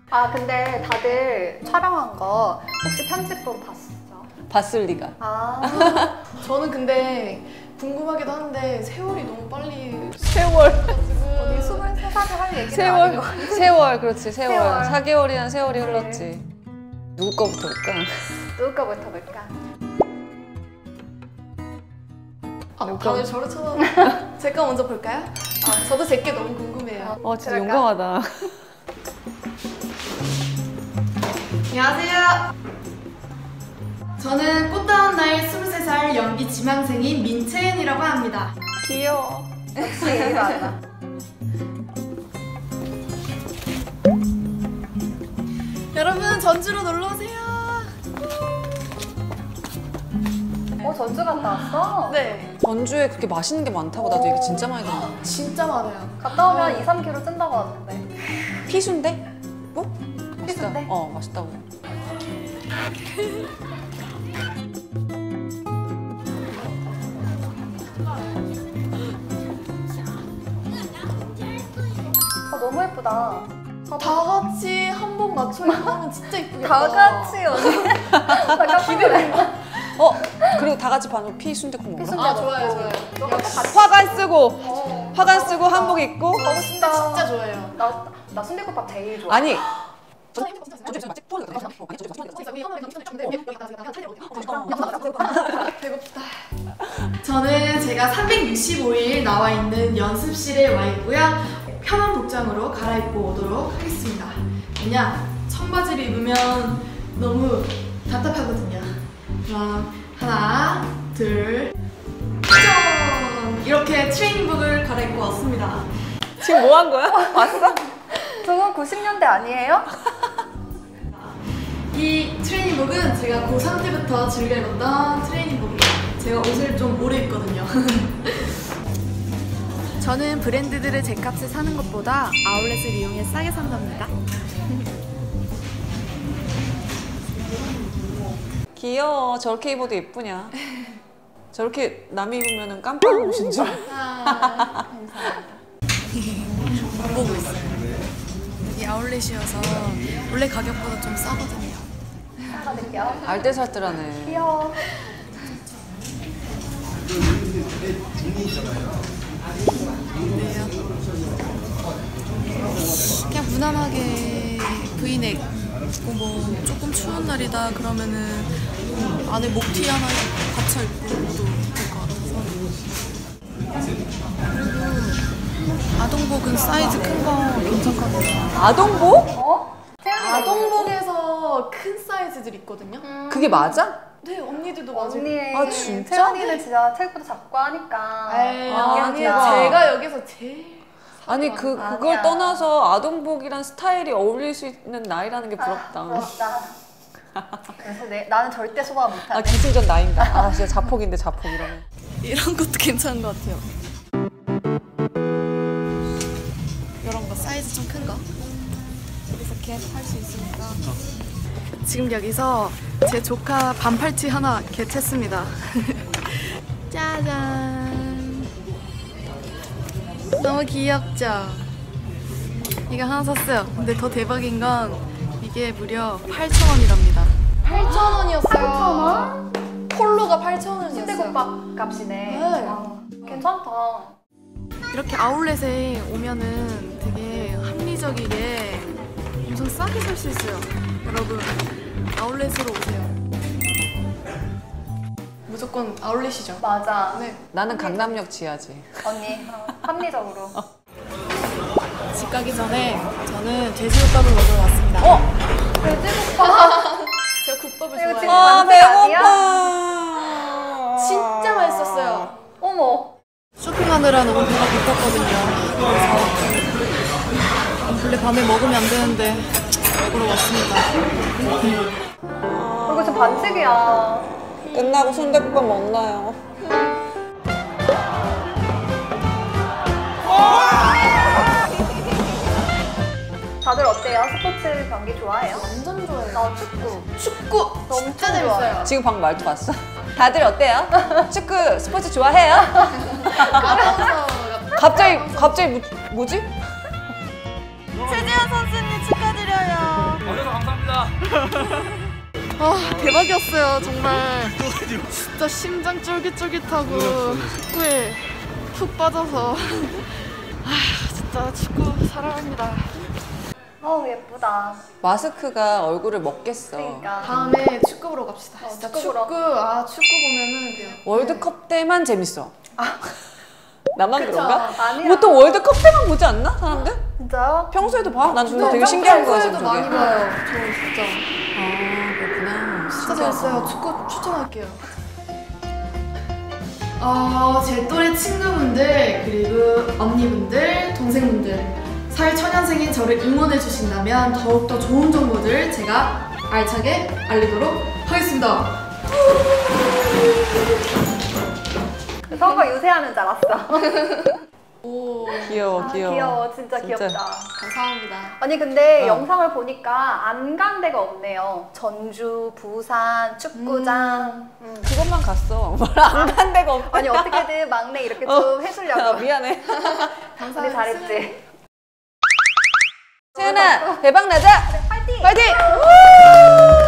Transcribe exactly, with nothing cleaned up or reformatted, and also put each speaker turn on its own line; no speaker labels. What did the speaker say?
아 근데 다들 촬영한 거 혹시 편집본 봤어?
봤을 리가.
아
저는 근데 궁금하기도 한데 세월이 너무 빨리
세월.
언니 스물세 살에 할 얘기는
세월.
아닌 거 같아.
세월 그렇지 세월.
세월.
사 개월이란 세월이
네.
흘렀지. 누구 거부터 볼까?
누구 거부터 볼까?
아, 다들 저를 쳐다 제 거 먼저 볼까요? 아, 저도 제 게 너무 궁금해요.
어 진짜
그럴까?
용감하다.
안녕하세요. 저는 꽃다운 나이 스물세 살 연기 지망생인 민채은이라고 합니다.
귀여워.
역시 예의가 안 나.
여러분 전주로 놀러오세요.
어 전주 갔다 왔어?
네,
전주에 그렇게 맛있는 게 많다고 나도 얘기 진짜 많이 들었는데.
진짜 많아요.
갔다 오면 이, 삼 킬로그램 찐다고 하는데.
피순대? 뭐? 맛있다.
피순대?
어 맛있다고.
아 너무 예쁘다.
다 같이 한복 맞춰 입고 하면 진짜 이쁘겠다.
다 같이 언니. 나 깜짝 놀랐어.
어 그리고 다 같이 반으로 피순대국 먹나?
피순대
아 좋아요,
먹고.
좋아요.
너가
역시.
같이
화관 쓰고
어.
화관 쓰고 한복 입고.
가고
진짜
싶다.
진짜 좋아요.
나, 나 순대국밥 제일 좋아.
아니
배고프다. 저는 제가 삼백육십오 일 나와 있는 연습실에 와 있고요. 편한 복장으로 갈아입고 오도록 하겠습니다. 왜냐? 청바지를 입으면 너무 답답하거든요. 그럼 하나, 둘, 짠! 이렇게 트레이닝복을 갈아입고 왔습니다.
지금 뭐 한 거야? 봤어?
저건 구십 년대 아니에요?
이 트레이닝복은 제가 고삼 때부터 즐겨 입었던 트레이닝복이에요. 제가 옷을 좀 오래 입거든요. 저는 브랜드들을 제 값에 사는 것보다 아울렛을 이용해 싸게 산답니다.
귀여워. 저렇게 입어도 예쁘냐? 저렇게 남이 입으면 깜빡 옷인 줄.
아, 감사합니다. 못 보고 있어요. 여기 아울렛이어서 원래 가격보다 좀 싸거든요.
사과드릴게요.
알뜰살뜰하네.
귀여워.
그냥 무난하게 브이넥 입고 뭐 조금 추운 날이다 그러면은 안에 목티 하나 받쳐 입고도 될 것 같아서. 그리고 아동복은 사이즈 큰 거 괜찮거든요.
아동복?
어?
아동복에서 큰 사이즈들 있거든요.
음.
그게 맞아?
네, 언니들도 맞아요.
언니.
아, 진짜?
채원이는 진짜 체육부도 작고 하니까.
에이,
아,
아니에요.
대박.
제가 여기서 제일
아니 그
아니야.
그걸 떠나서 아동복이란 스타일이 어울릴 수 있는 나이라는 게
아,
부럽다.
부럽다. 그래서 내, 나는 절대 소화
아
못하네.
기승전 나인가? 아 진짜 자폭인데 자폭 이러면.
이런 것도 괜찮은 것 같아요. 이런 거 사이즈 좀 큰 거. 여기서 겟 할 수 있으니까. 지금 여기서 제 조카 반팔티 하나 겟했습니다. 짜잔. 너무 귀엽죠? 이거 하나 샀어요. 근데 더 대박인 건 이게 무려 팔천 원이랍니다. 팔천 원이었어요.
팔천 원?
폴로가 팔천 원이었어요.
순대국밥 값이네.
네.
아, 괜찮다.
이렇게 아울렛에 오면은 되게 합리적이게 엄청 싸게 살 수 있어요. 여러분 아울렛으로 오세요. 무조건 아울렛이죠.
맞아.
네.
나는 강남역 지하지.
언니, 어, 합리적으로.
집 가기 전에 저는 돼지국밥을 먹으러 왔습니다.
어?
돼지국밥.
제가 국밥을
이거
좋아해요.
지금
아
완전
배고파.
진짜 맛있었어요.
어머.
쇼핑하느라 너무 배가 고팠거든요. 그래서 원래 밤에 먹으면 안 되는데 먹으러 왔습니다.
이거 지금 반칙이야.
끝나고 순대국밥 먹나요?
다들 어때요? 스포츠 경기 좋아해요?
완전 좋아해요.
나 축구.
축구
너무
진짜
좋아요.
재밌어요.
지금 방금 말투 봤어? 다들 어때요? 축구 스포츠 좋아해요?
아나운서
갑자기 갑자기 뭐, 뭐지?
최지현 선수님 축하드려요. 아 대박이었어요 정말. 진짜 심장 쫄깃쫄깃하고 축구에 푹 빠져서 아 진짜 축구 사랑합니다.
어우 예쁘다.
마스크가 얼굴을 먹겠어.
그러니까.
다음에 축구 보러 갑시다.
어,
진짜
축구
축구,
보러.
아 축구 보면은 그냥
월드컵 때만 재밌어. 나만
그쵸?
그런가?
아니야.
보통 월드컵 때만 보지 않나? 사람들?
진짜요?
평소에도 봐? 난 저거
네,
되게 신기한 거야.
평소에도
저게.
많이 봐요. 저 진짜
아 그렇구나.
진짜 재밌어요. 축구 추천할게요. 어, 제 또래 친구분들 그리고 언니분들, 동생분들 사회초년생인 저를 응원해 주신다면 더욱더 좋은 정보들 제가 알차게 알리도록 하겠습니다.
서우가 유세하는 줄 알았어.
오,
귀여워
아,
귀여워.
귀여워. 진짜,
진짜.
귀엽다.
감사합니다.
아니 근데
어.
영상을 보니까 안 간 데가 없네요. 전주, 부산, 축구장. 음.
그것만 갔어. 안 간 데가 없다.
아니 어떻게든 막내 이렇게 좀
아,
해주려고.
미안해.
감사합니다.
우리 잘했지.
채은아 대박 나자.
파이팅!
파이팅!